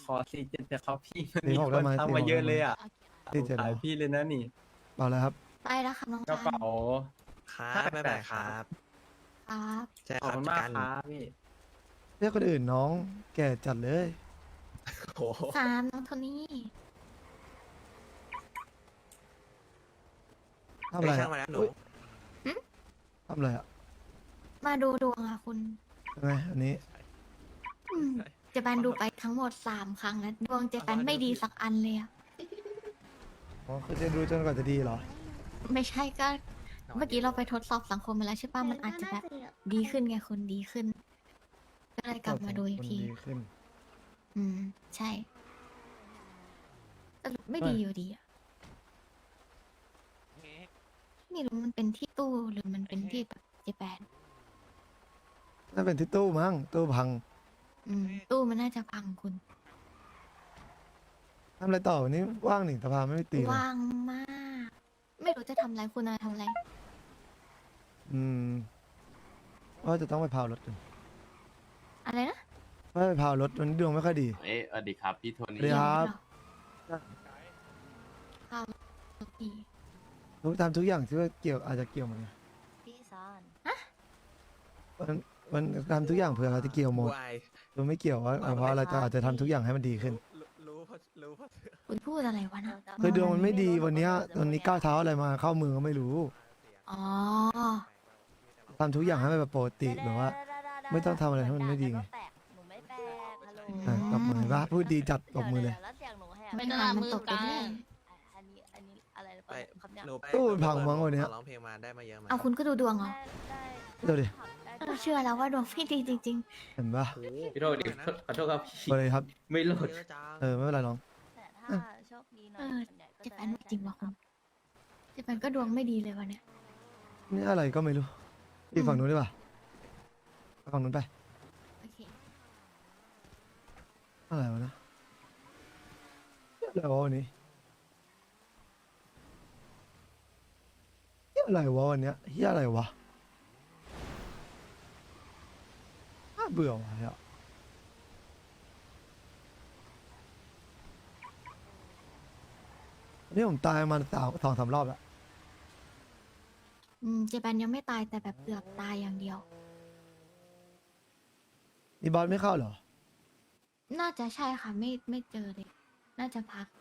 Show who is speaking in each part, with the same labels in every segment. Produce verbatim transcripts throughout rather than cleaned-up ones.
Speaker 1: ขอสี่เจ็ดเถอะครับพี่มัน
Speaker 2: สี่
Speaker 1: มี
Speaker 2: หก
Speaker 1: ค
Speaker 2: ได้
Speaker 1: น
Speaker 2: ไหม
Speaker 1: ทัก
Speaker 2: สี่
Speaker 1: มา
Speaker 2: หก
Speaker 1: เยอะ
Speaker 2: ได้ไหม
Speaker 1: เลยอ่ะ
Speaker 2: สี่เจ็ด
Speaker 1: ขาย
Speaker 2: เหรอ
Speaker 1: พี่เลยนะนี่
Speaker 2: เอาเลยครับ
Speaker 3: ได้แล้วครับน้อง
Speaker 1: กระ
Speaker 3: ชาย
Speaker 1: เป๋า
Speaker 4: ครับไม่เป็นไรครับ
Speaker 3: ครับ
Speaker 4: ใช่
Speaker 1: ขอบ
Speaker 4: ครับ
Speaker 1: คุณ
Speaker 4: จัด
Speaker 1: มาก
Speaker 4: การ
Speaker 1: ครับพี่
Speaker 2: เรียกคนอื่นน้องแก่จัดเลย
Speaker 4: โอ้โห
Speaker 3: สามน้องโทนี่
Speaker 2: ทำอะไร
Speaker 4: เอ้ยช่า
Speaker 2: อะ
Speaker 4: งมาแล้วหนู
Speaker 2: อุ๊ยทำอะไรอ่ะ
Speaker 3: มาดูดวงค่ะคุณ
Speaker 2: ยังไงอันนี้
Speaker 3: อืมเจแปนดูไปทั้งหมดสามครั้งแล้วดวงเจแปนไม่ดีสักอันเลยอะ
Speaker 2: อ๋อคือจะดูจนกว่าจะดีเหรอ
Speaker 3: ไม่ใช่ก็เมื่อกี้เราไปทดสอบสังคมมาแล้วใช่ป่ะมันอาจจะแบบดีขึ้นไงคุณดีขึ้น ก็เลยกลับมาดูอีกที
Speaker 2: มันดีขึ้น
Speaker 3: อืม ใช่แต่ไม่ดีอยู่ดีอะไม่รู้มันเป็นที่ตู้หรือมันเป็นที่แบบเจแปน
Speaker 2: น่าเป็นที่ตู้มั้งตู้พัง
Speaker 3: อืม ตู้มันน่าจะพังคุณ
Speaker 2: ทำอะไรต่อวันนี้ว่างหนิสภาไม่ได้ตีเลย
Speaker 3: ว่างมาก ไม่รู้จะทำอะไรคุณอะไรทำอะไร
Speaker 2: อืมว่าจะต้องไปพาวรถกัน
Speaker 3: อะไรนะ
Speaker 2: ว่าไปพาวรถวันนี้ดวงไม่ค่อยดี
Speaker 5: เอ๊ะสวัสดีครับพี่โท
Speaker 2: สวัส
Speaker 5: นี่
Speaker 2: ดีครับ
Speaker 3: ข้าวดี
Speaker 2: ทุกทำทุกอย่างที่ว่าเกี่ยวอาจจะเกี่ยวหมดไง
Speaker 6: พี่ซอน
Speaker 2: วันวันทำทุกอย่างเผื่อเขาจะเกี่ยวหมด
Speaker 4: วาย
Speaker 2: ดวงไม่เกี่ยวว่าเพราะอะไรจะอาจจะทำทุกอย่างให้มันดีขึ้น
Speaker 4: รู้รู้เพราะรู้เพราะ
Speaker 3: คุณพูดอะไรวะนะ
Speaker 2: คือดวงมันไม่ดีวันเนี้ยวันนี้ก้าวเท้าอะไรมาเข้ามือก็ไม่รู้
Speaker 3: อ๋อ
Speaker 2: ทำทุกอย่างให้มันแบบปกติแบบว่า ไม่ต้องทำอะไรให้มันไม่ดีไง
Speaker 6: หนูไม่แปลกฮัลโหล
Speaker 2: อ่ะตบมือว่าพูดดีจัดตบมือเลย
Speaker 6: แล้วเสียงหนูแหบ
Speaker 3: ไม่ทันมันตกไปเรื่อย
Speaker 6: อันนี้อันนี้อะไรหรือเป
Speaker 4: ไป
Speaker 6: ล่าครับเนี่ย
Speaker 4: หนูไป
Speaker 2: ตู้มันพังมั้งวันเนี้ย
Speaker 4: ขอร้องเพลงมาได้มาเยอะไหม
Speaker 3: เอาคุณก็ดูดวงเหรอ
Speaker 6: ได้ได้
Speaker 2: เดี๋ยวดิ
Speaker 6: ได้
Speaker 3: เราเชื่อแล้วว่าดวงพี่ดีจริง
Speaker 2: เห็นปะ
Speaker 4: โอ้โห
Speaker 5: พี่โทษดิขอโทษครับพี่
Speaker 2: ไปเลยครับ
Speaker 5: ไม่โหลด
Speaker 4: เยอะจัง
Speaker 2: เออไม่เป็นไรน้อง
Speaker 6: แต่ถ้าโชคดีหน่อย
Speaker 3: เออ
Speaker 6: ส่วนใหญ่ก็
Speaker 3: ๆเจ
Speaker 6: จะ
Speaker 3: แปนไม่จริงว่ะคุณเจแปนก็ดวงไม่ดีเลยวันเนี้ย
Speaker 2: นี่อะไรก็ไม่รู้พี่ฝั่งนู้นดีกว่าไปฝั่งนู้นไป
Speaker 3: โอเค
Speaker 2: อะไรวะนะอะไรวะวันนี้เหี้ยอะไรวะวันเนี้ยเฮียอะไรวะน่าเบื่อว่ะเนี่ยวันนี่ผมตายมาสามสองสามรอบแล้ว
Speaker 3: อืมเจแปนยังไม่ตายแต่แบบเกือบตายอย่างเดียว
Speaker 2: นี่บอสไม่เข้าเหรอ
Speaker 3: น่าจะใช่ค่ะไม่ไม่เจอเลย น่าจะพัก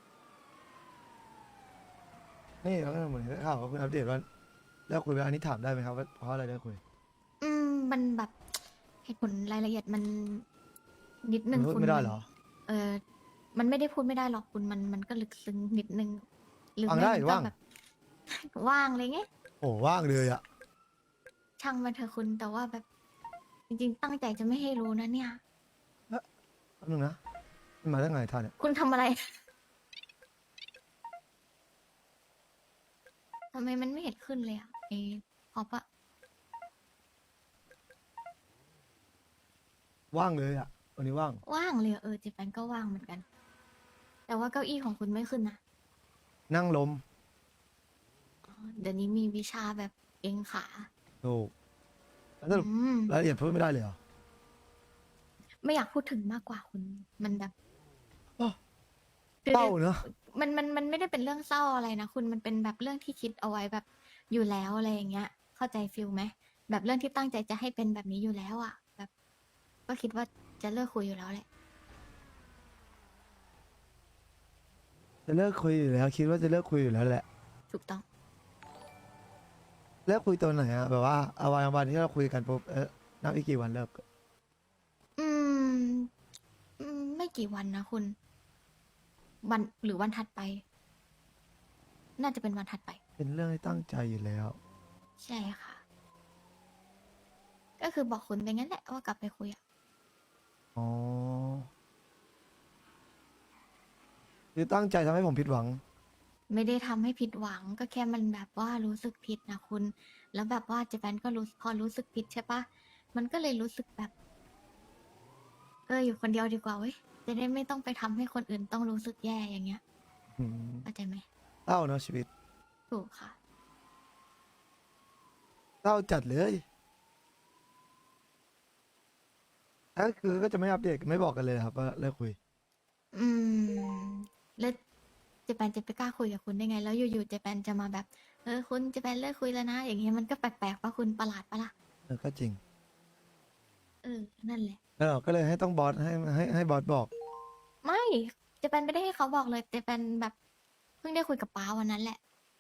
Speaker 2: นี่แล้วก็เหมือนได้ข่าวว่าคุณอัปเดตว่าเลิกคุยไปอันนี้ถามได้ไหมครับว่าเพราะอะไรเลิกคุย
Speaker 3: อืมมันแบบเหตุผลรายละเอียดมันนิดนึง
Speaker 2: มันพูด
Speaker 3: คุณ
Speaker 2: ไม่ได้เหรอ
Speaker 3: เออ มันไม่ได้พูดไม่ได้หรอกคุณมันมันก็ลึกซึ้งนิดนึงหรือ
Speaker 2: ว่าง
Speaker 3: ไม่
Speaker 2: ได้
Speaker 3: มันก็
Speaker 2: ว่าง
Speaker 3: แบบ ว่างเลยไง
Speaker 2: โอ้ว่างเลยอะ
Speaker 3: ช่างมันเถอะคุณแต่ว่าแบบ จริงๆ ตั้งใจจะไม่ให้รู้นะเนี่ย
Speaker 2: แป๊บนึงนะมันมาได้ไงท่านเนี่ย
Speaker 3: คุณทำอะไร ทำไมมันไม่เห็นขึ้นเลยอะไอ้พอปะ
Speaker 2: ว่างเลยอะวันนี้ว่าง
Speaker 3: ว่างเลยอะเออเจแปนก็ว่างเหมือนกัน แต่ว่าเก้าอี้ของคุณไม่ขึ้นนะ
Speaker 2: นั่งลม
Speaker 3: อ๋อเดี๋ยวนี้มีวิชาแบบเองขา
Speaker 2: ถูกแล้วสรุป
Speaker 3: อืม
Speaker 2: รายละเอียดพูดไม่ได้เลยเหรอ
Speaker 3: ไม่อยากพูดถึงมากกว่าคุณ มันแบบ
Speaker 2: อ้อ
Speaker 3: คือ
Speaker 2: เศร้าเนอะ
Speaker 3: มันมันมันไม่ได้เป็นเรื่องเศร้าอะไรนะคุณมันเป็นแบบเรื่องที่คิดเอาไว้แบบอยู่แล้วอะไรอย่างเงี้ย เข้าใจฟิลไหมแบบเรื่องที่ตั้งใจจะให้เป็นแบบนี้อยู่แล้วอะแบบ ก็คิดว่าจะเลิกคุยอยู่แล้วแหละ
Speaker 2: จะเลิกคุยอยู่แล้ว คิดว่าจะเลิกคุยอยู่แล้วแหละ
Speaker 3: ถูกต้อง
Speaker 2: เลิกคุยตัวไหนอะแบบว่าเอาวันวันที่เราคุยกันปุ๊บเออนับอีกกี่วันเลิก
Speaker 3: อืมอืม ไม่กี่วันนะคุณ วันหรือวันถัดไป น่าจะเป็นวันถัดไป
Speaker 2: เป็นเรื่องที่ตั้งใจอยู่แล้ว
Speaker 3: ใช่ค่ะ ก็คือบอกคุณไปงั้นแหละว่ากลับไปคุยอะ
Speaker 2: อ๋อคือตั้งใจทำให้ผมผิดหวัง
Speaker 3: ไม่ได้ทำให้ผิดหวังก็แค่มันแบบว่ารู้สึกผิดนะคุณ แล้วแบบว่าเจแปนก็รู้พอรู้สึกผิดใช่ปะมันก็เลยรู้สึกแบบ เอออยู่คนเดียวดีกว่าเว้ยจะได้ไม่ต้องไปทำให้คนอื่นต้องรู้สึกแย่อย่างเงี้ย
Speaker 2: อืม
Speaker 3: เข้าใจไหม
Speaker 2: เศร้าเนอะชีวิต
Speaker 3: ถูกค่ะ
Speaker 2: เศร้าจัดเลยถ้าคือก็จะไม่อัปเดตไม่บอกกันเลยครับว่าเลิกคุย
Speaker 3: อืมแล้วเจแปนจะไปกล้าคุยกับคุณได้ไง แล้วอยู่ๆเจแปนจะมาแบบ เออคุณเจแปนเลิกคุยแล้วนะ อย่างเงี้ยมันก็แปลกๆปะคุณประหลาดปะล่ะ
Speaker 2: เออก็จริง
Speaker 3: เออ นั่นแหละ
Speaker 2: แล้วเราก็เลยให้ต้องบอสให้ให้ให้บอสบอก
Speaker 3: ไม่เจแปนไม่ได้ให้เขาบอกเลยเจแปนแบบเพิ่งได้คุยกับป้าวันนั้นแหละ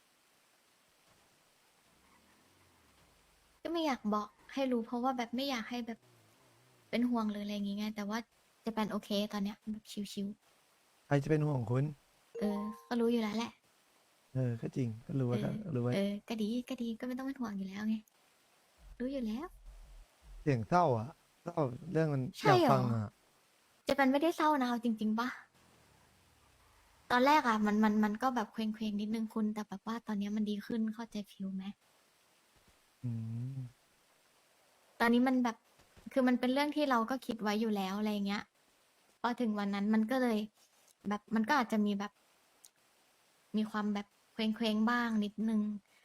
Speaker 3: ก็ไม่อยากบอกให้รู้เพราะว่าแบบไม่อยากให้แบบเป็นห่วงหรืออะไรอย่างงี้ไงแต่ว่าเจแปนโอเคตอนเนี้ยแบบชิว
Speaker 2: ใครจะเป็นห่วงคุณ
Speaker 3: ๆเออ ก็รู้อยู่แล้วแหละ
Speaker 2: เออก็จริงก็รู้
Speaker 3: เอ
Speaker 2: ไว้ก็
Speaker 3: อ
Speaker 2: รู้ไว้
Speaker 3: เออ ก็ดีก็ดีก็ไม่ต้องเป็นห่วงอยู่แล้วไง รู้อยู่แล้ว
Speaker 2: เสียงเศร้าอ่ะเศร้าเรื่องมัน
Speaker 3: ใช่
Speaker 2: อยาก
Speaker 3: เหรอ
Speaker 2: ฟังอ่ะ
Speaker 3: เจแปนไม่ได้เศร้านะเอาจริงๆปะตอนแรกอะมันมันมันก็แบบเคว้งๆนิดนึงคุณ แต่แบบว่าตอนเนี้ยมันดีขึ้นเข้าใจฟิลไหม
Speaker 2: อืม
Speaker 3: ตอนนี้มันแบบคือมันเป็นเรื่องที่เราก็คิดไว้อยู่แล้วอะไรเงี้ยพอถึงวันนั้นมันก็เลย แบบมันก็อาจจะมีแบบ มีความแบบเคว้งๆบ้างนิดนึง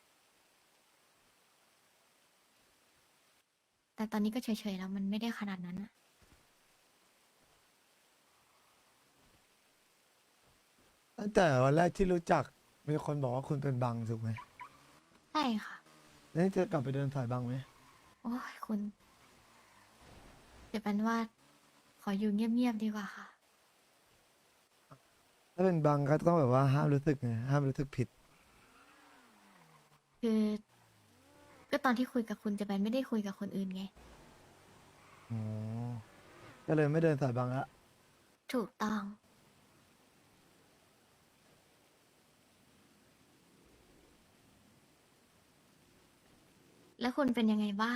Speaker 3: แต่ตอนนี้ก็เฉยๆแล้วมันไม่ได้ขนาดนั้นอะ
Speaker 2: ตั้งแต่วันแรกที่รู้จักมีคนบอกว่าคุณเป็นบังถูกไหม
Speaker 3: ใช่ค่ะ
Speaker 2: แล้วนี่จะกลับไปเดินสายบังไหม
Speaker 3: โอ้ยคุณเดี๋ยวเป็นว่า ขออยู่เงียบๆดีกว่าค่ะ
Speaker 2: ถ้าเป็นบังก็ต้องแบบว่าห้ามรู้สึกไงห้ามรู้สึกผิด
Speaker 3: คือ ก็ตอนที่คุยกับคุณเจะเป็นไม่ได้คุยกับคนอื่นไง
Speaker 2: อ๋อ ก็เลยไม่เดินสายบังละ
Speaker 3: ถูกต้อง แล้วคุณเป็นยังไงบ้าง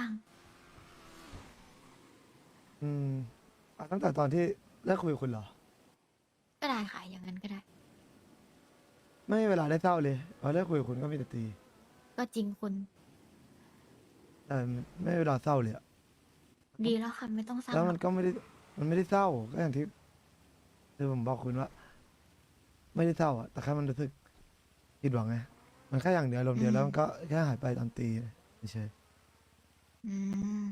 Speaker 2: อืมอ่ะตั้งแต่ตอนที่เลิกคุยกับคุณเหรอ
Speaker 3: ก็ได้ค่ะ อย่างนั้นก็ได้
Speaker 2: ไม่มีเวลาได้เศร้าเลยพอเลิกคุยกับคุณก็มีแต่ตี
Speaker 3: ก็จริงคุณ
Speaker 2: แต่ไม่มีเวลาเศร้าเลยอะ
Speaker 3: ดีแล้วค่ะ ไม่ต้องเศร้า
Speaker 2: แล้ว
Speaker 3: หร
Speaker 2: มั
Speaker 3: อน ก
Speaker 2: ก็ไม่ได้ มันไม่ได้เศร้า ก็อย่างที่คือผมบอกคุณว่า ไม่ได้เศร้าอะแต่แค่มันรู้สึกผิดหวังไง มันแค่อย่างเดียวลมณ์เดียว
Speaker 3: อืม
Speaker 2: แล้วมันก็แค่หายไปตอนตีเฉย
Speaker 3: อืม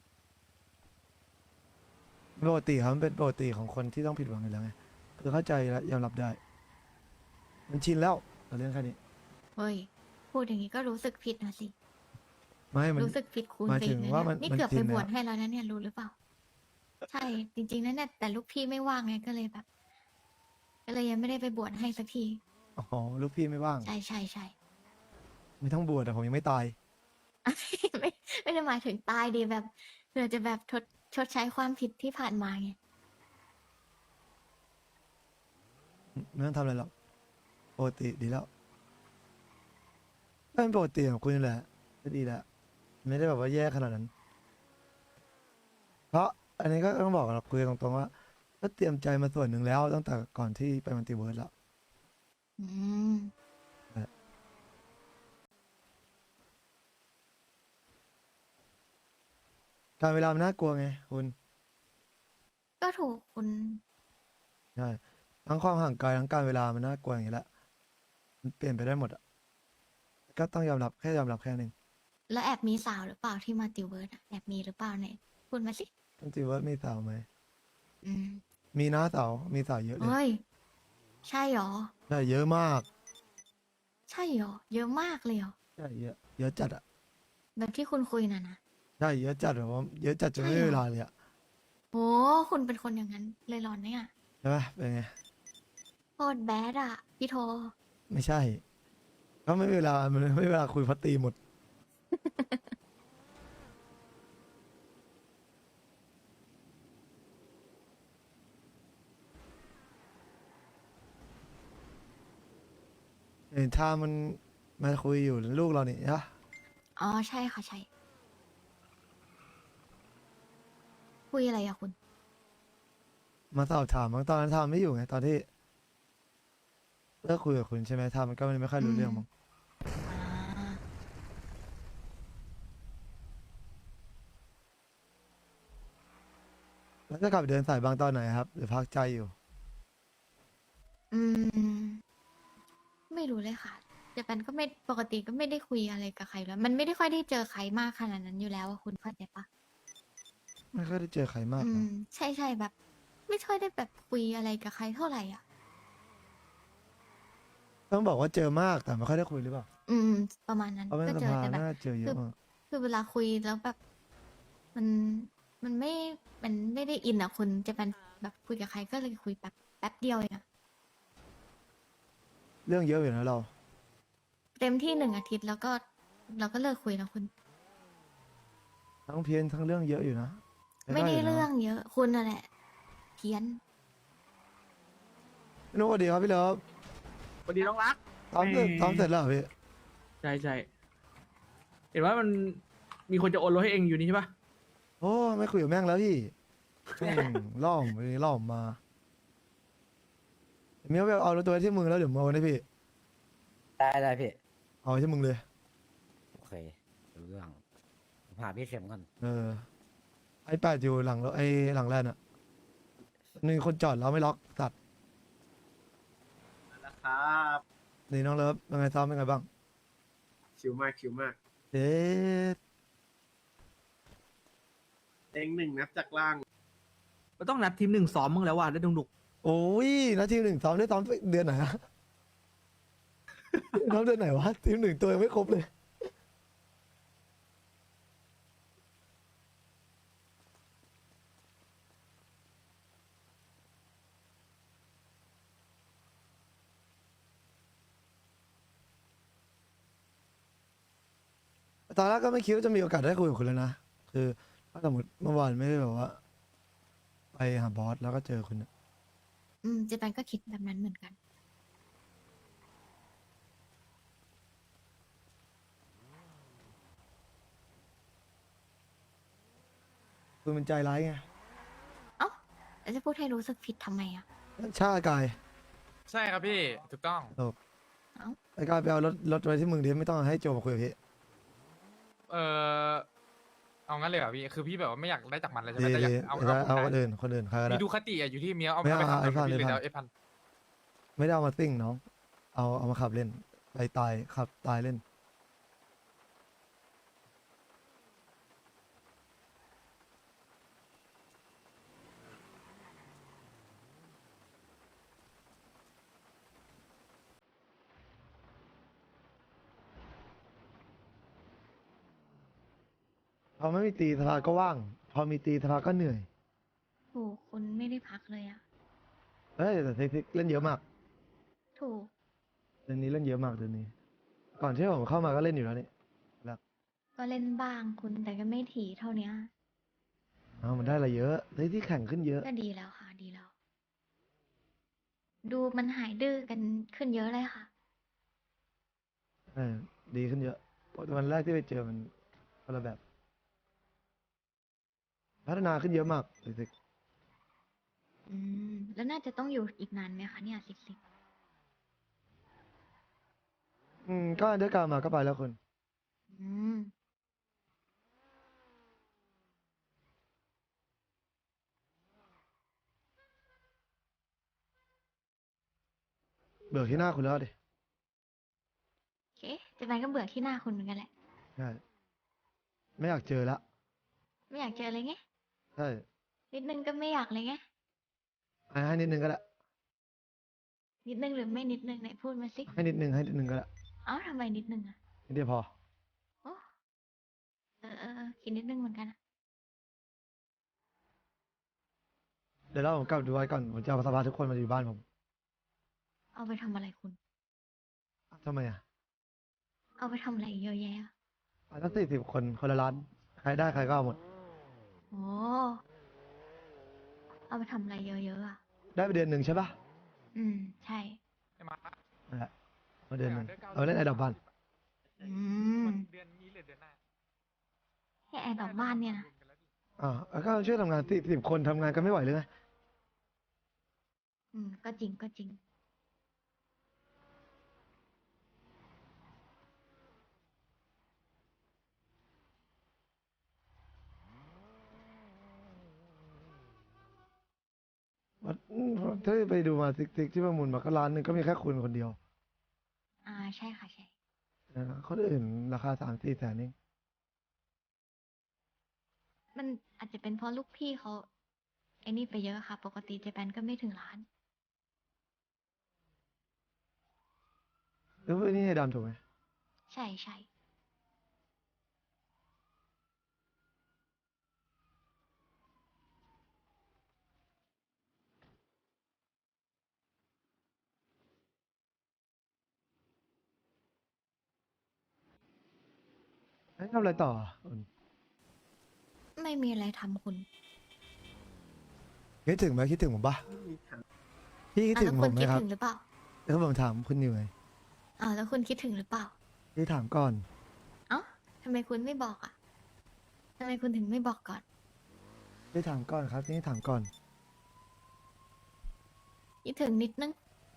Speaker 2: ๆปกติครับมันเป็นปกติของคนที่ต้องผิดหวังอยู่แล้วไง คือเข้าใจและยอมรับได้ มันชินแล้วกับเรื่องแค่นี้
Speaker 3: เฮ้ย พูดอย่างนี้ก็รู้สึกผิดนะสิ
Speaker 2: ไม่มัน
Speaker 3: รู้สึกผิดคูณ
Speaker 2: หมาย
Speaker 3: ไป
Speaker 2: ถึ
Speaker 3: อี
Speaker 2: ง
Speaker 3: กนะ
Speaker 2: ว่า
Speaker 3: เนี่ย
Speaker 2: มัน
Speaker 3: นี่
Speaker 2: มัน
Speaker 3: เกือบ
Speaker 2: ชิ
Speaker 3: ไป
Speaker 2: น
Speaker 3: บวช
Speaker 2: แล้ว
Speaker 3: ให้แล้วนะเนี่ยรู้หรือเปล่า ใช่ จริงๆแล้วเนี่ยแต่ลูกพี่ไม่ว่างไงก็เลยแบบ ก็เลยยังไม่ได้ไปบวชให้สักที
Speaker 2: อ๋อลูกพี่ไม่ว่าง
Speaker 3: ใช่ใช่ใช่
Speaker 2: ไม่ต้องบวชแต่ผมยังไม่ตาย
Speaker 3: ไม่ไม่ได้หมายถึงตายดีแบบเพื่อจะแบบทดชดใช้ความผิดที่ผ่านมาไง
Speaker 2: ไม่ต้องทำอะไรหรอกปกติดีแล้วก็เป็นปกติของคุณนี่แหละก็ดีแล้วไม่ได้แบบว่าแย่ขนาดนั้น เพราะอันนี้ก็ต้องบอกเราคุยตรงๆว่า ก็เตรียมใจมาส่วนหนึ่งแล้วตั้งแต่ก่อนที่ไปมัลติเวิร์สแล้ว
Speaker 3: อืม
Speaker 2: การเวลามันน่ากลัวไงคุณ
Speaker 3: ก็ถูกคุณ
Speaker 2: ใช่ทั้งความห่างไกลทั้งการเวลามันน่ากลัวอย่างนี้แหละมันเปลี่ยนไปได้หมดอ่ะก็ต้องยอมรับแค่ยอมรับแค่นึง
Speaker 3: แล้วแอบมีสาวหรือเปล่าที่มาติวเวิร์ดอะแอบมีหรือเปล่าเนี่ยพูดมาสิ
Speaker 2: มัลติเวิร์สมีสาวไหม
Speaker 3: อืม
Speaker 2: มีนะสาวมีสาวเยอะเลย
Speaker 3: เฮ้ย ใช่หรอ
Speaker 2: ใช่เยอะมาก
Speaker 3: ใช่หรอ เยอะมากเลยหรอ
Speaker 2: ใช่เยอะเยอะจัดอ่ะ
Speaker 3: แบบที่คุณคุยน่ะนะ
Speaker 2: ใช่เยอะจัดแบบว่าเยอะจัดจนไม่
Speaker 3: ใช่
Speaker 2: มี
Speaker 3: เหรอ
Speaker 2: เวลาเลยอ่ะ
Speaker 3: โอ้คุณเป็นคนอย่างนั้นเลยหรอเนี่ย
Speaker 2: ใช่ไหมเป็นไง
Speaker 3: โคตรแบดอะพี่โท
Speaker 2: ไม่ใช่ก็ไม่มีเวลามันไม่มีเวลาคุยเพราะตีหมด เห็นทามันมาคุยอยู่ลูกเราเนี่ยนะ
Speaker 3: อ๋อใช่ค่ะใช่ คุยอะไรอะคุณ
Speaker 2: มาสอบถามบางตอนนั้นทามไม่อยู่ไงตอนที่เลิกคุยกับคุณใช่ไหมทามมันก็ไม่ค่อยรู้
Speaker 3: อืม
Speaker 2: เรื่องมั้ง
Speaker 3: อ่า
Speaker 2: แล้วจะกลับไปเดินสายบางตอนไหนครับหรือพักใจอยู่
Speaker 3: อืม ไม่รู้เลยค่ะเจแปนก็ไม่ปกติก็ไม่ได้คุยอะไรกับใครแล้ว มันไม่ได้ค่อยได้เจอใครมากขนาดนั้นอยู่แล้วอะคุณเข้าใจปะ
Speaker 2: ไม่ค่อยได้เจอใครมาก
Speaker 3: อื
Speaker 2: หรอ
Speaker 3: ม ใช่ใช่แบบไม่ค่อยได้แบบคุยอะไรกับใครเท่าไหร่อ่ะ
Speaker 2: ต้องบอกว่าเจอมากแต่ไม่ค่อยได้คุยหรือเปล่า
Speaker 3: อืม ประมาณนั้น
Speaker 2: เพราะเป็น
Speaker 3: ก็
Speaker 2: ส
Speaker 3: เจอ
Speaker 2: ภา
Speaker 3: แต่แบบ
Speaker 2: น่าเจอเย
Speaker 3: คือ
Speaker 2: อะมาก
Speaker 3: คือเวลาคุยแล้วแบบ มันมันไม่มันไม่ได้อินอ่ะคุณจะเป็นแบบคุยกับใครก็เลยคุยแบบแป๊บเดียวเองอะ
Speaker 2: เรื่องเยอะอยู่นะเรา
Speaker 3: เต็มที่หนึ่งอาทิตย์แล้วก็เราก็เลิกคุยแล้วคุณ
Speaker 2: ทั้งเพี้ยนทั้งเรื่องเยอะอยู่นะ
Speaker 3: ไม่ได้
Speaker 2: อยู่นะ
Speaker 3: เรื่องเยอะ คุณน่ะแหละ เพี้ยน
Speaker 2: พี่นุ๊กสวัสดีครับพี่เลิฟ
Speaker 1: สวัสดีน้องรัก
Speaker 2: ซ้อมเสร็จ
Speaker 1: เอ่อ
Speaker 2: ซ้อมเสร็จแล้วเหรอพี่
Speaker 1: ใช่ใช่เห็นว่ามันมีคนจะโอนรถให้เองอยู่นี่ใช่ปะ
Speaker 2: โอ้ไม่คุยกับแม่งแล้วพี่แม่งล่อมไปล่อมมาเมียวไปเอาตัวที่มึงแล้วเดี๋ยวมึงเอาไว้ให้พี่
Speaker 7: ได้ได้พี่
Speaker 2: เอาไว้ที่มึงเลย
Speaker 7: โอเครู้เรื่องผมหาพี่เข็มก่อน
Speaker 2: เออ ไอแปดอยู่หลังรถไอหลังแลนด์อ่ะมีคนจอดแล้วไม่ล็อกตัด
Speaker 1: นะครับ
Speaker 2: นี่น้องเลิฟเป็นไงซ้อมเป็นไงบ้าง
Speaker 1: ชิวมากชิวมาก
Speaker 2: เด็ด
Speaker 1: เองหนึ่งนับจากล่างมันต้องนัดทีมหนึ่งซ้อมมั้งแล้วว่ะได้ดุก
Speaker 2: โอ้ยนาทีหนึ่งซ้อมได้ซ้อมเดือนไหนอะ ซ้อมเดือนไหนวะทีมหนึ่งตัวยังไม่ครบเลย ตอนแรกก็ไม่คิดว่าจะมีโอกาสได้คุยกับคุณเลยนะ คือถ้าสมมติเมื่อวานไม่ได้แบบว่า ไปหาบอสแล้วก็เจอคุณอะ
Speaker 3: อืมเจแปนก็คิดแบบนั้นเหมือนกัน
Speaker 2: คุณเป็นใจร้ายไง
Speaker 3: เอ้าแล้วจะพูดให้รู้สึกผิดทำไมอ่ะ
Speaker 2: ชาติกาย
Speaker 8: ใช่ครับพี่ ถูกต้อง
Speaker 2: ไอ้กายไปเอารถรถไว้ที่มึงดิไม่ต้องให้โจมาคุยกับพี่
Speaker 8: เออเอางั้นเลยเหรอพี่ คือพี่แบบว่าไม่อยากได้จากมันเลยใช่ไหม
Speaker 2: ดี
Speaker 8: แต่อยา
Speaker 2: ดี
Speaker 8: กเอา
Speaker 2: เอา
Speaker 8: เอา
Speaker 2: เอา
Speaker 8: ผม
Speaker 2: คน
Speaker 8: ได้
Speaker 2: อื่นคนอื่นใครก็
Speaker 8: มี
Speaker 2: ได้
Speaker 8: ดูคติอะอยู่ที่เมียเอา
Speaker 2: ไม่เอา
Speaker 8: ไป
Speaker 2: เอาไอ้
Speaker 8: ทำ
Speaker 2: พัน
Speaker 8: กับพี่
Speaker 2: ไอ้
Speaker 8: เลย
Speaker 2: พัน
Speaker 8: แล้วไอ้พัน
Speaker 2: ไม่ได้เอามาซิ่งน้อง เอาเอามาขับเล่น ไปตายขับตายเล่น พอไม่มีตีสภาก็ว่าง พอมีตีสภาก็เหนื่อย
Speaker 3: ถูกคุณไม่ได้พักเลยอ่ะ
Speaker 2: เฮ้ยแต่เทคนิคเล่นเยอะมาก
Speaker 3: ถูก
Speaker 2: เดือนนี้เล่นเยอะมากเดือนนี้ ก่อนที่ผมเข้ามาก็เล่นอยู่แล้วนี่แล้ว
Speaker 3: ก็เล่นบ้างคุณแต่ก็ไม่ถี่เท่าเนี้ย
Speaker 2: เอามันได้อะไรเยอะเฮ้ยที่แข่งขึ้นเยอะ
Speaker 3: ก็ดีแล้วค่ะ ดีแล้ว ดูมันหายดื้อกันขึ้นเยอะเลยค่ะ
Speaker 2: เออดีขึ้นเยอะเพราะวันแรกที่ไปเจอมันคนละแบบ พัฒนาขึ้นเยอะมากรู้สึก
Speaker 3: อืม แล้วน่าจะต้องอยู่อีกนานไหมคะเนี่ยสิบสิบ
Speaker 2: อืมก็ด้วยการมาก็ไปแล้วคุณ
Speaker 3: อืม
Speaker 2: เบื่อที่หน้าคุณแล้วดิ
Speaker 3: โอเคเจแปนก็เบื่อที่หน้าคุณเหมือนกันแหละ
Speaker 2: ใช่ไม่อยากเจอละ
Speaker 3: ไม่อยากเจอเลยไง
Speaker 2: ใช่
Speaker 3: นิดนึงก็ไม่อยากเลยไง
Speaker 2: ให้ให้นิดนึงก็ได้
Speaker 3: นิดนึงหรือไม่นิดนึงไหนพูดมาสิ
Speaker 2: ให้นิดนึงให้นิดนึงก็ได้
Speaker 3: เอ้าทำไมนิดนึงอ่ะ
Speaker 2: นิดเดียวพอ
Speaker 3: โอ้เออเออเออคิดนิดนึงเหมือนกันอะ
Speaker 2: เดี๋ยวเราผมกลับดูไว้ก่อนผมจะเอาสภาทุกคนมาอยู่บ้านผม
Speaker 3: เอาไปทำอะไรคุณ
Speaker 2: ทำไมอ่ะ
Speaker 3: เอาไปทำอะไรเยอะแยะอะ
Speaker 2: อ่ะตั้งสี่สิบคนคนละล้านใครได้ใครก็เอาหมด
Speaker 3: โอ้เอาไปทำอะไรเยอะๆอ่ะ
Speaker 2: ได้ไปเดือนหนึ่งใช่ปะ
Speaker 3: อืม ใช่
Speaker 8: ไอ้มา
Speaker 2: นั่นแหละมาเดือนหนึ่งเอาไปเล่นไอ้ดอกบ้าน
Speaker 3: อืม
Speaker 8: เดือนนี้หรือเดือนหน้า
Speaker 3: แค่แอร์ดอกบ้านเนี่ยนะ
Speaker 2: อ่าแล้วก็ช่วยทำงานสี่สิบคนทำงานกันไม่ไหวเลยไง
Speaker 3: อืม ก็จริงก็จริง
Speaker 2: ว่าอืมถ้าไปดูมาติ๊กติ๊กที่ประมูลมาก็ล้านหนึ่งก็มีแค่คุณคนเดียว
Speaker 3: อ่า ใช่ค่ะ ใช่
Speaker 2: นะคนอื่นราคาสามสี่แสนเอง
Speaker 3: มันอาจจะเป็นเพราะลูกพี่เขาไอ้นี่ไปเยอะค่ะ ปกติเจแปนก็ไม่ถึงล้าน
Speaker 2: แล้วนี่ให้ดำถูกไหม
Speaker 3: ใช่ใช่
Speaker 2: เอ้ยทำอะไรต่ออ่ะอุ่น
Speaker 3: ไม่มีอะไรทำคุณ
Speaker 2: คิดถึงไหมคิดถึงผมปะพี่คิด
Speaker 3: อ่ะ
Speaker 2: ถึ
Speaker 3: แล้
Speaker 2: ง
Speaker 3: ว
Speaker 2: ผ
Speaker 3: คุ
Speaker 2: ม
Speaker 3: ณ
Speaker 2: ไหม
Speaker 3: คิด
Speaker 2: ครับ
Speaker 3: ถึงหรือเปล่า
Speaker 2: แล้วผมถามคุณอยู่ไง
Speaker 3: อ้าวแล้วคุณคิดถึงหรือเปล่า
Speaker 2: พี่ถามก่อน
Speaker 3: เอ้าทำไมคุณไม่บอกอ่ะทำไมคุณถึงไม่บอกก่อน
Speaker 2: พี่ถามก่อนครับนี่ถามก่อน
Speaker 3: คิดถึงนิดนึง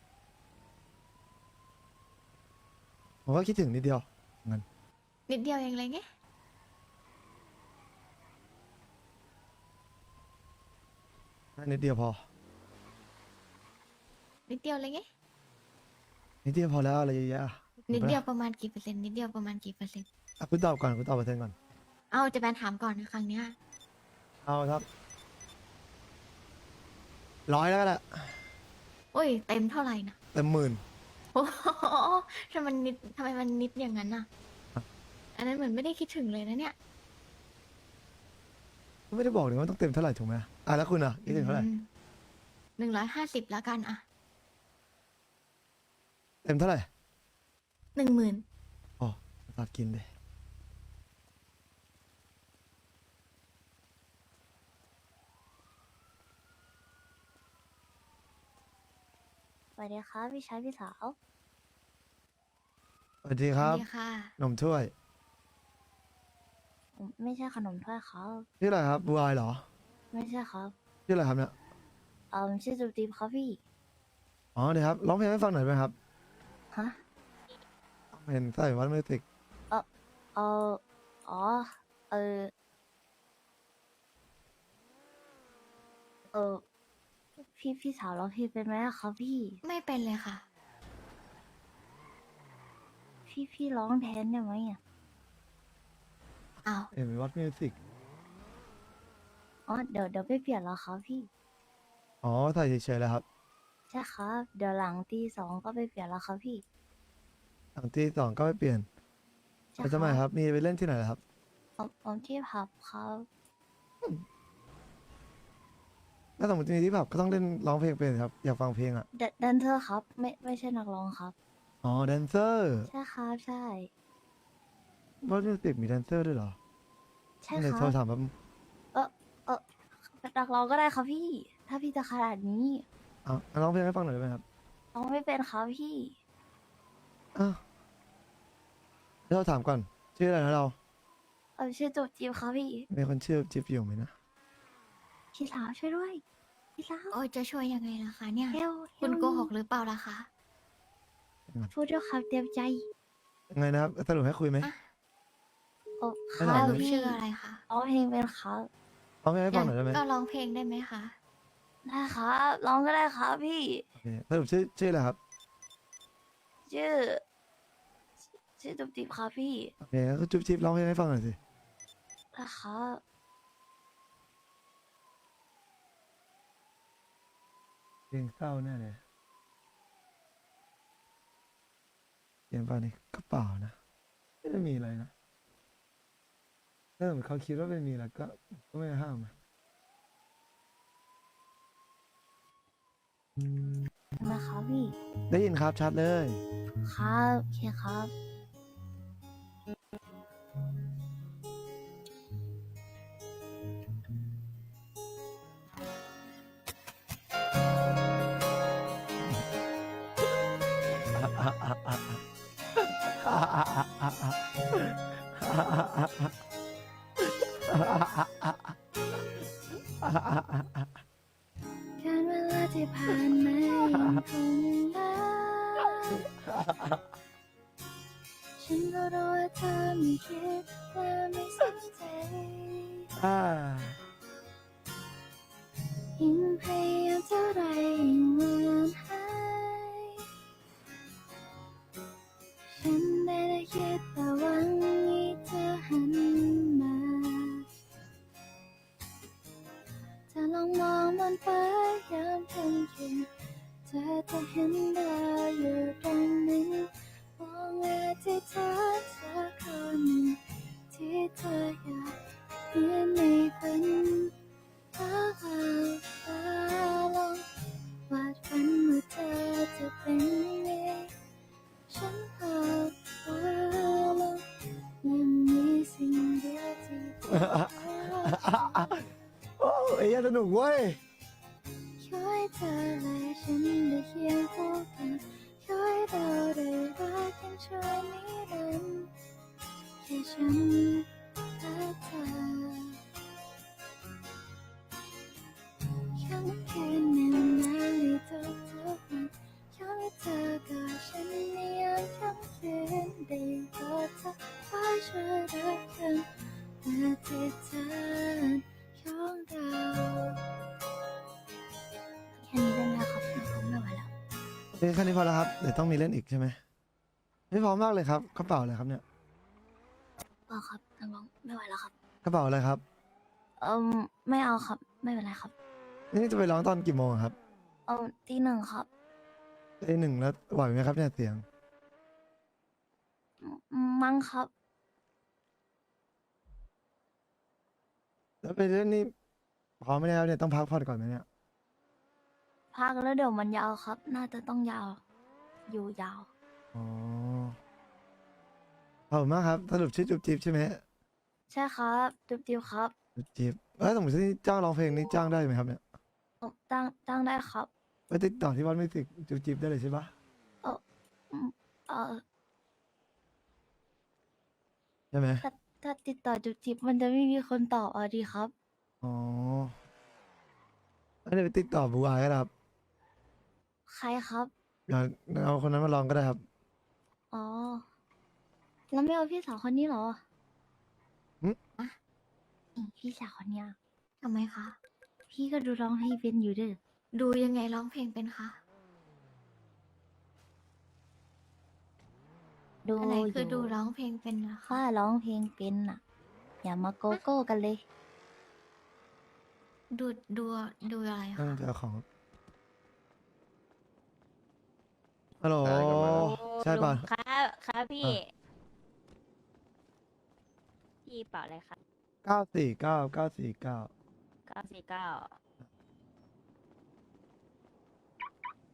Speaker 2: ผมก็คิดถึงนิดเดียวงั้น
Speaker 3: นิดเดียวเองเลยไง
Speaker 2: นิดเดียวพอ
Speaker 3: นิดเดียวเลยไง
Speaker 2: นิดเดียวพอแล้วอะไรเยอะแยะอ่ะ
Speaker 3: นิด
Speaker 2: ห็นปะ
Speaker 3: เดียวประมาณกี่เปอร์เซ็นต์ นิดเดียวประมาณกี่เปอร์เซ็นต์
Speaker 2: อ่ะคุณตอบก่อนคุณตอบเปอร์เซ็นต์ก่อน
Speaker 3: เอาเจแปนถามก่อนนะครั้งเนี้ย
Speaker 2: เอาครับร้อยแล้วก็ได้
Speaker 3: โอ้ย เต็มเท่าไหร่นะ
Speaker 2: เต็มหมื่น
Speaker 3: โอ้โหทำไมมันนิดทำไมมันนิดอย่างนั้นน่ะ
Speaker 2: ครับ
Speaker 3: อันนั้นเหมือนไม่ได้คิดถึงเลยนะเนี่ย
Speaker 2: ไม่ได้บอกเลยว่าต้องเต็มเท่าไหร่ถูกไหมอ่ะแล้วคุณอ่ะคิดถึงเท่าไหร่
Speaker 3: หนึ่งร้อยห้าสิบแล้วกันอ่ะ
Speaker 2: เต็มเท่าไหร่
Speaker 3: หนึ่งหมื่น
Speaker 2: อ๋อตัดกินเลย
Speaker 6: สวัสดีครับพี่ชายพี่สาว
Speaker 2: สวัสดีครับ
Speaker 3: ดีค่ะ
Speaker 2: นมถ้วย
Speaker 6: ผมไม่ใช่ขนมถ้วยครับ
Speaker 2: ชื่ออะไรครับบูอายเหรอ
Speaker 6: ไม่ใช่ครับ
Speaker 2: ชื่ออะไรครับเนี่ย
Speaker 6: เออชื่อจูตีมครับพี่
Speaker 2: อ๋อเดี๋ยวครับร้องเพลงให้ฟังหน่อยไหมครับ
Speaker 6: ฮะ
Speaker 2: เห็นใส่วัดมิวสิก
Speaker 6: เออเอออ๋อ เออ เออ พี่พี่สาวร้องเพลงเป็นไหมอะครับพี่
Speaker 3: ไม่เป็นเลยค่ะ
Speaker 6: พี่พี่ร้องแทนได้ไหมอ่ะ
Speaker 3: อ้าว
Speaker 2: เห็นวัดมิวสิก
Speaker 6: อ๋อ เดี๋ยวเดี๋ยวไปเปลี่ยนแล้วครับพี่
Speaker 2: อ๋อใส่เฉยๆแล้วครับ
Speaker 6: ใช่ครับ เดี๋ยวหลังตีสองก็ไปเปลี่ยนแล้วครับพี่
Speaker 2: หลังที่สองก็ไม่เปลี่ยน
Speaker 6: ใช่
Speaker 2: แล้วทำไมครับ มีไปเล่นที่ไหนล่ะครับ
Speaker 6: ผมผมที่ผับครับ
Speaker 2: ถ้าสมมติมีที่ผับก็ต้องเล่นร้องเพลงเป็นครับ อยากฟังเพลงอ่ะ
Speaker 6: แดแดนเซอร์ครับ ไม่ไม่ใช่นักร้องครับ
Speaker 2: อ๋อแดนเซอร์
Speaker 6: ใช่ครับใช่
Speaker 2: วัดมิวสิกมีแดนเซอร์ด้วยเหรอ
Speaker 6: ใช่
Speaker 2: เดี๋ยว
Speaker 6: ค
Speaker 2: โท
Speaker 6: รั
Speaker 2: ร
Speaker 6: บ
Speaker 2: ถามแบบ
Speaker 6: เออเออนักร้องก็ได้ครับพี่ ถ้าพี่จะขนาดนี้
Speaker 2: อ่ะร้องเพลงให้ฟังหน่อยได้ไหมครับ
Speaker 6: ร้องไม่เป็นครับพี่
Speaker 2: อ้าวเดี๋ยวเราถามก่อน ชื่ออะไรนะเรา
Speaker 6: เออชื่อจูบจีบครับพี่
Speaker 2: มีคนชื่อจิ๊บอยู่ไหมนะ
Speaker 6: พี่สาวช่วยด้วย พี่สาว
Speaker 3: โอ้ยจะช่วยยังไงล่ะคะเนี่ย
Speaker 6: เฮล
Speaker 3: คุณโกหกหรือเปล่าล่ะคะ
Speaker 6: พูดด้วยคำเต็มใจ
Speaker 2: ยังไงนะครับ สรุปให้คุยไหม
Speaker 3: อ่ะ
Speaker 6: โอ้ค
Speaker 2: ไม่
Speaker 6: รั
Speaker 2: ถาม
Speaker 6: บ
Speaker 2: เลย
Speaker 6: พี่
Speaker 3: ชื่ออะไรคะ
Speaker 6: ร้องเพลงเป็นครับ
Speaker 2: ร้องเพลงให้ฟังหน่อยได้ไหม
Speaker 3: ก็ร้องเพลงได้ไหมคะ
Speaker 6: ได้ครับร้องก็ได้ครับพี่
Speaker 2: โอเคสรุปชื่อชื่ออะไรครับ
Speaker 6: ชื่อ ชื่อจูบจีบครับพี่
Speaker 2: โอเคก็จุ๊บจิ๊บร้องเพลงให้ฟังหน่อยสิ
Speaker 6: นะครับ
Speaker 2: เพลงเศร้าแน่เลยเขียนไปในกระเป๋านะ ไม่ได้มีอะไรนะถ้าสมมติเขาคิดว่าไม่มีแล้วก็ก็ไม่ห้ามอะ
Speaker 6: นะครับพี่
Speaker 2: ได้ยินครับชัดเลย
Speaker 6: ครับโอเคครับ การเวลาที่ผ่านมายังคงนานฉันก็รู้ว่าเธอไม่คิดและไม่สนใจ
Speaker 2: อ่า
Speaker 6: ยิ่งพยายามเท่าไรยิ่งเลือนหายฉันได้แต่คิดแต่หวังให้เธอหันมาเธอลองมองมาจะเห็นดาวอยู่ตรงนั้นมองอธิษฐานสักคนหนึ่งที่เธออยากเห็นในฝันฟ้าผ่าฟ้าลงวาดฝันว่าเธอจะเป็นไงฉันภาพฟ้าลงยังมีสิ่งเดียวที่เธอ
Speaker 2: โอ้ไอ้เหี้ยสนุกเว้ย
Speaker 6: ช่วยเธอและฉันได้เคียงคู่กันช่วยเราได้รักกันช่วยนิรันดร์แค่ฉันและเธอค่ำคืนแนวหนาวในทุกทุกวันขอให้เธอกับฉันในยามค่ำคืนได้กอดเธอคอยช่วยรักกันและที่เธอของเรา แค่นี้ได้ไหมครับผมไม่ไหวแล้ว
Speaker 2: โอเคแค่นี้พอแล้วครับ เดี๋ยวต้องมีเล่นอีกใช่ไหมไม่พร้อมมากเลยครับกระเป๋าอะไรครับเนี่ย
Speaker 6: เปล่าครับนักร้องไม่ไหวแล้วครับ
Speaker 2: กระเป๋าอะไรครับ
Speaker 6: เอิมไม่เอาครับ ไม่เป็นไรครับ
Speaker 2: นี่จะไปร้องตอนกี่โมงอะครับ
Speaker 6: เอิมตีหนึ่งครับ
Speaker 2: ไอหนึ่งแล้วไหวไหมครับเนี่ยเสียง
Speaker 6: มมั้งครับ
Speaker 2: แล้วไปเล่นนี่พร้อมไม่ได้แล้วเนี่ยต้องพักผ่อนก่อนไหมเนี่ย
Speaker 6: พักแล้วเดี๋ยวมันยาวครับ น่าจะต้องยาว อยู่ยาว
Speaker 2: อ๋อขอบคุณมากครับสรุปชื่อจุ๊บจิ๊บใช่ไหม
Speaker 6: ใช่ครับจุ๊บจิ๊บครับ
Speaker 2: จุ๊บจิ๊บแล้วสมมติที่จ้างร้องเพลงนี่จ้างได้ไหมครับเนี่ย
Speaker 6: เอิ่มตั้งตั้งได้ครับ
Speaker 2: ไปติดต่อที่วัดมิวสิกจุ๊บจิ๊บได้เลยใช่ปะ
Speaker 6: อืมเออ
Speaker 2: ใช่ไหม
Speaker 6: ถ้าถ้าติดต่อจุ๊บจิ๊บมันจะไม่มีคนตอบอ่ะดีครับ
Speaker 2: อ๋อแล้วเดี๋ยวไปติดต่อบูอายก็ได้ครับ
Speaker 6: ใครครับ
Speaker 2: เดี๋ยวเอาคนนั้นมาลองก็ได้ครับ
Speaker 6: อ๋อ แล้วไม่เอาพี่สาวคนนี้เหรอ
Speaker 2: หึ
Speaker 6: อะนี่พี่สาวคนเนี้ย
Speaker 3: ทำไมคะ
Speaker 6: พี่ก็ดูร้องเพลงเป็นอยู่เด้อ
Speaker 3: ดูยังไงร้องเพลงเป็นคะ
Speaker 6: ดู
Speaker 3: อันไหน
Speaker 6: อ
Speaker 3: คือยู่ ดูร้องเพลงเป็นนะคะ
Speaker 6: ข้าร้องเพลงเป็นน่ะ อย่ามาโกโก้กันเลย
Speaker 3: ดูดูดูอะไร
Speaker 2: นั่
Speaker 3: คะ
Speaker 2: งจะเอาของฮัลโหลใช่ป่ะ
Speaker 9: ครับครับพี่
Speaker 2: อ่ะ
Speaker 9: พี่เป่าอะไรครับ
Speaker 2: เก้าสี่เก้าเก้าสี่เก้า
Speaker 9: เก้าสี่เก้า